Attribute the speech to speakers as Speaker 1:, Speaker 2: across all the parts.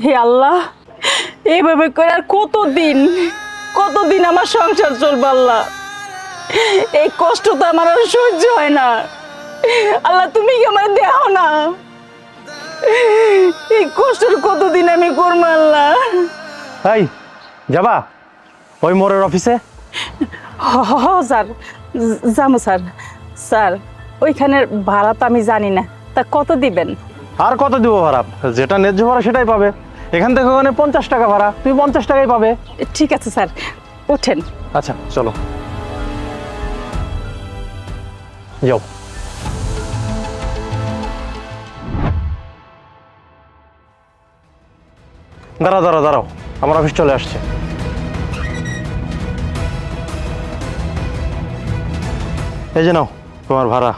Speaker 1: হে আল্লাহ, এইভাবে করে আর কতদিন আমার সংসার চলবে আল্লাহ। এই কষ্ট তো আমার আর সহ্য হয় না। আল্লাহ তুমি কি আমার দেখো না? এই কষ্টের কতদিন আমি করবো আল্লাহ?
Speaker 2: এই যাবা ওই মোড়ের অফিসে?
Speaker 1: স্যার, যাবো স্যার। স্যার, ওইখানের ভাড়া তো আমি জানি না, তা কত দিবেন?
Speaker 2: আর কত দিব ভাড়া? যেটা ন্যায্য ভাড়া সেটাই পাবে। এখান থেকে ওখানে 50 টাকা ভাড়া, তুমি 50 টাকাই পাবে।
Speaker 1: ঠিক আছে স্যার, ওঠেন।
Speaker 2: আচ্ছা চলো যাও। দাঁড়াও, আমার অফিস চলে আসছে। এই যে নাও তোমার ভাড়া।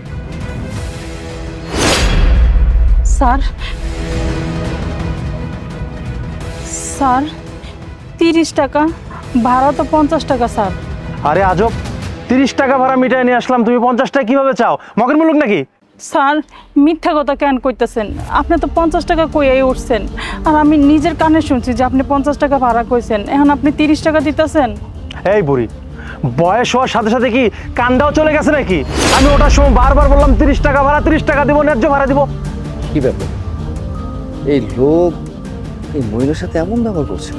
Speaker 1: স্যার, 30 টাকা ভাড়া তো 50 টাকা স্যার।
Speaker 2: আরে আজব, 30 টাকা ভাড়া মিটাই নিয়ে আসলাম, তুমি 50 টাকা কিভাবে চাও? মগের মুলুক নাকি?
Speaker 1: স্যার, মিথ্যা কথা কেন কইতেছেন? আপনি তো 50 টাকা কইয়াই উঠছেন, আর আমি নিজের কানে শুনছি যে আপনি 50 টাকা ভাড়া কইছেন, এখন আপনি 30 টাকা দিতেছেন।
Speaker 2: এই বুড়ি, বয়স হওয়ার সাথে সাথে কি কান্দাও চলে গেছে নাকি? আমি ওটার সময় বারবার বললাম 30 টাকা ভাড়া, 30 টাকা দিব, ন্যায্য ভাড়া দিব।
Speaker 3: কি ব্যাপার? এই লোক এই মহিলার সাথে এমন ব্যবহার করছে?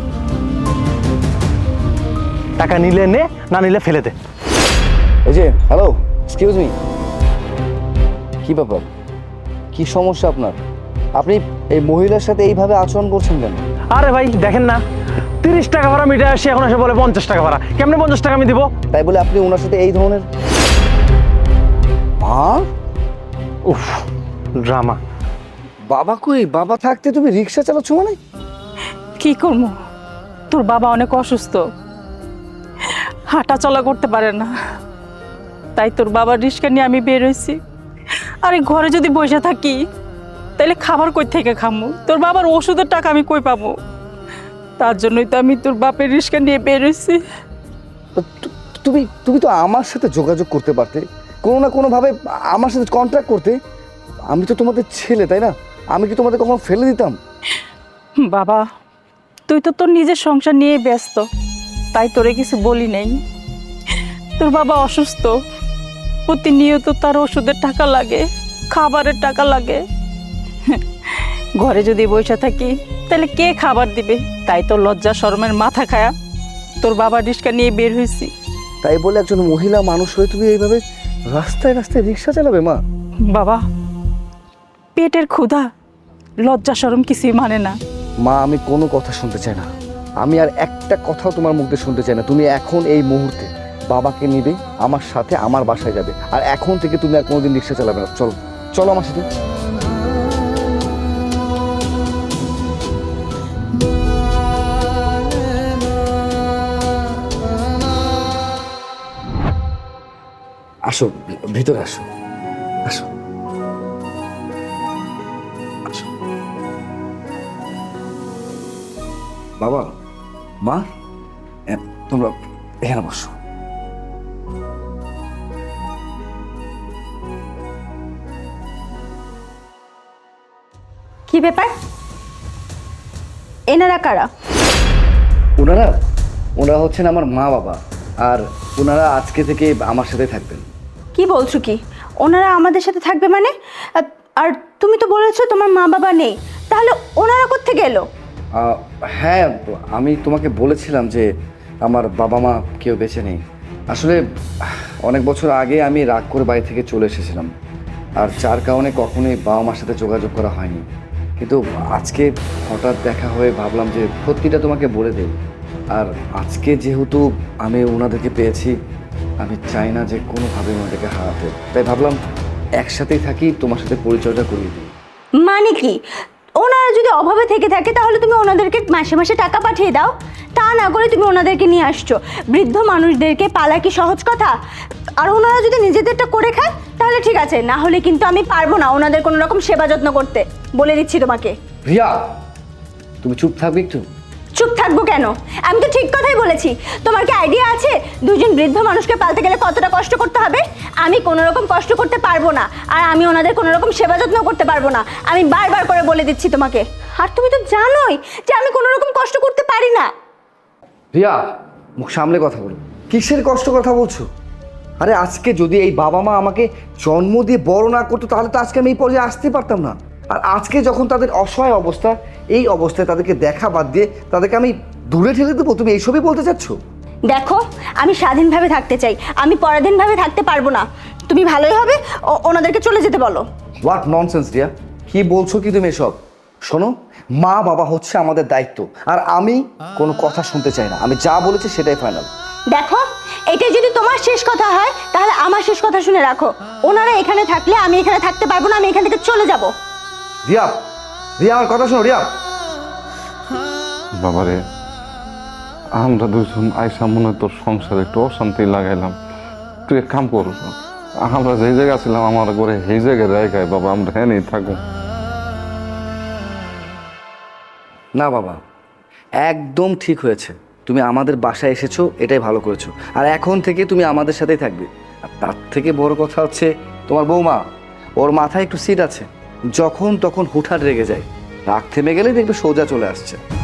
Speaker 2: টাকা নিলে নে, না নিলে ফেলে দে।
Speaker 3: এই যে হ্যালো, এক্সকিউজ মি, কি ব্যাপার? কি সমস্যা আপনার? আপনি এই মহিলার সাথে এইভাবে আচরণ করছেন কেন?
Speaker 2: আরে ভাই দেখেন না, 30 টাকা ভাড়া মিটাই আসি, এখন এসে বলে 50 টাকা ভাড়া। কেমনে 50 টাকা আমি দিব?
Speaker 3: তাই বলে আপনি ওনার সাথে এই ধরনের?
Speaker 2: উফ, ড্রামা।
Speaker 3: বাবা কই? বাবা থাকতে তুমি রিক্সা চালাচ্ছ মানে?
Speaker 1: কি করবো, তোর বাবা অনেক অসুস্থ, হাঁটা চলা করতে পারে না, তাই তোর বাবার রিস্কা নিয়ে আমি বের হয়েছি। আরে ঘরে যদি বসে থাকি তাহলে খাবার কই থেকে খামু? তোর বাবার ওষুধের টাকা আমি কই পাবো? তার জন্যই তো আমি তোর বাপের রিস্কা নিয়ে বের হয়েছি।
Speaker 3: তুমি তুমি তো আমার সাথে যোগাযোগ করতে পারতে, কোনো না কোনোভাবে আমার সাথে কন্ট্যাক্ট করতে। আমি তো তোমাদের ছেলে, তাই না? আমি কি তোমাদের কখনো ফেলে দিতাম?
Speaker 1: বাবা, তুই তো তোর নিজের সংসার নিয়ে ব্যস্ত, তাই তোরে কিছু বলি নেই। তোর বাবা অসুস্থ, প্রতিনিয়ত তার ওষুধের টাকা লাগে, খাবারের টাকা লাগে। ঘরে যদি বসে থাকি তাহলে কে খাবার দিবে? তাই তো লজ্জা শরমের মাথা খায়া তোর বাবা রিস্কা নিয়ে বের হয়েছি।
Speaker 3: তাই বলে একজন মহিলা মানুষ হয়ে তুমি এইভাবে রাস্তায় রাস্তায় রিক্সা চালাবে? মা
Speaker 1: বাবা, পেটের ক্ষুধা লজ্জা শরম কিছুই মানে না।
Speaker 3: মা, আমি কোনো কথা শুনতে চাই না। আমি আর একটা কথাও তোমার মুখ দিয়ে শুনতে চাই না। তুমি এখন এই মুহূর্তে বাবাকে নিবে, আমার সাথে আমার বাসায় যাবে, আর এখন থেকে তুমি আর কোনোদিন রিক্সা চালাবে না। চলো চলো আমার সাথে। আসো, ভিতরে আসো, আসো, আসো। বাবা, মা, তোমরা এখানে বসো।
Speaker 4: কি ব্যাপার? এনারা কারা?
Speaker 3: ওনারা ওনারা হচ্ছেন আমার মা বাবা, আর ওনারা আজকে থেকে আমার সাথে থাকবেন।
Speaker 4: কি বলছো কি? ওনারা আমাদের সাথে থাকবে মানে? আর তুমি তো বলেছো তোমার মা বাবা নেই, তাহলে ওনারা কোত্থেকে এলো?
Speaker 3: হ্যাঁ, আমি তোমাকে বলেছিলাম যে আমার বাবা মা কেউ বেঁচে নেই। আসলে অনেক বছর আগে আমি রাগ করে বাড়ি থেকে চলে এসেছিলাম, আর যার কারণে কখনোই বাবা মার সাথে যোগাযোগ করা হয়নি। কিন্তু আজকে হঠাৎ দেখা হয়ে ভাবলাম যে সত্যিটা তোমাকে বলে দেই। আর আজকে যেহেতু আমি ওনাদেরকে পেয়েছি, আমি চাই না যে কোনোভাবে ওনাদেরকে হারাতে, তাই ভাবলাম একসাথেই থাকি, তোমার সাথে পরিচয়টা করিয়ে দিই।
Speaker 4: মানে কি? ওনারা যদি অভাবে থেকে থাকে তাহলে তুমি ওনাদেরকে মাসে মাসে টাকা পাঠিয়ে দাও, তা না করে তুমি ওনাদেরকে নিয়ে আসছো। বৃদ্ধ মানুষদেরকে পালা কি সহজ কথা? আর ওনারা যদি নিজেদেরটা করে খায় তাহলে ঠিক আছে, না হলে কিন্তু আমি পারবো না ওনাদের কোনো রকম সেবা যত্ন করতে, বলে দিচ্ছি তোমাকে।
Speaker 3: রিয়া, তুমি চুপ থাকবে একটু?
Speaker 4: চুপ থাকবো কেন? আমি তো ঠিক কথাই বলেছি। তোমার কি আইডিয়া আছে দুজন বৃদ্ধ মানুষকে পালতে গেলে কতটা কষ্ট করতে হবে? আমি কোনো রকম কষ্ট করতে পারবো না, আর আমি ওনাদের কোনো রকম সেবা যত্ন করতে পারবো না। আমি বারবার করে বলে দিচ্ছি তোমাকে। আর তুমি তো জানোই যে আমি কোনো রকম কষ্ট করতে পারি না।
Speaker 3: রিয়া, মুখ সামলে কথা বলো। কিসের কষ্ট কথা বলছো? আরে আজকে যদি এই বাবা মা আমাকে জন্ম দিয়ে বড় না করতো তাহলে তো আজকে আমি এই পর্যায়ে আসতেই পারতাম না। আর আজকে যখন তাদের অসহায় অবস্থা, এই অবস্থায় তাদেরকে দেখা বাদ দিয়ে তাদেরকে আমি দূরে ঠেলে দেবো, তুমি এইসবই বলতে চাচ্ছ?
Speaker 4: দেখো, আমি স্বাধীনভাবে থাকতে চাই, আমি পরাধীনভাবে থাকতে পারবো না। তুমি ভালোই হবে ওনাদেরকে চলে যেতে বলো।
Speaker 3: হোয়াট ননসেন্স রিয়া, কি বলছো কি তুমি এসব? শোনো, মা বাবা হচ্ছে আমাদের দায়িত্ব, আর আমি কোনো কথা শুনতে চাই না। আমি যা বলেছি সেটাই ফাইনাল।
Speaker 4: দেখো, এটা যদি তোমার শেষ কথা হয় তাহলে আমার শেষ কথা শুনে রাখো। ওনারা এখানে থাকলে আমি এখানে থাকতে পারবো না, আমি এখান থেকে চলে যাব।
Speaker 3: রিয়া, রিয়া আমার কথা শোনো রিয়া।
Speaker 5: বাবারে, আমরা দুজন আইসা মনে হয় তোর সংসারে একটু অশান্তি লাগাইলাম। তুই এক কাম কর, আমরা যেই জায়গায় ছিলাম আমার ঘরে সেই জায়গায় রেখায় বাবা, আমরা হ্যাঁ নেই থাকবো।
Speaker 3: না বাবা, একদম ঠিক হয়েছে। তুমি আমাদের বাসায় এসেছো, এটাই ভালো করেছো। আর এখন থেকে তুমি আমাদের সাথেই থাকবে। আর তার থেকে বড় কথা হচ্ছে তোমার বৌমা, ওর মাথায় একটু সিট আছে, যখন তখন হুটহাট রেগে যায়, রাগ থেমে গেলেই দেখবে সোজা চলে আসছে।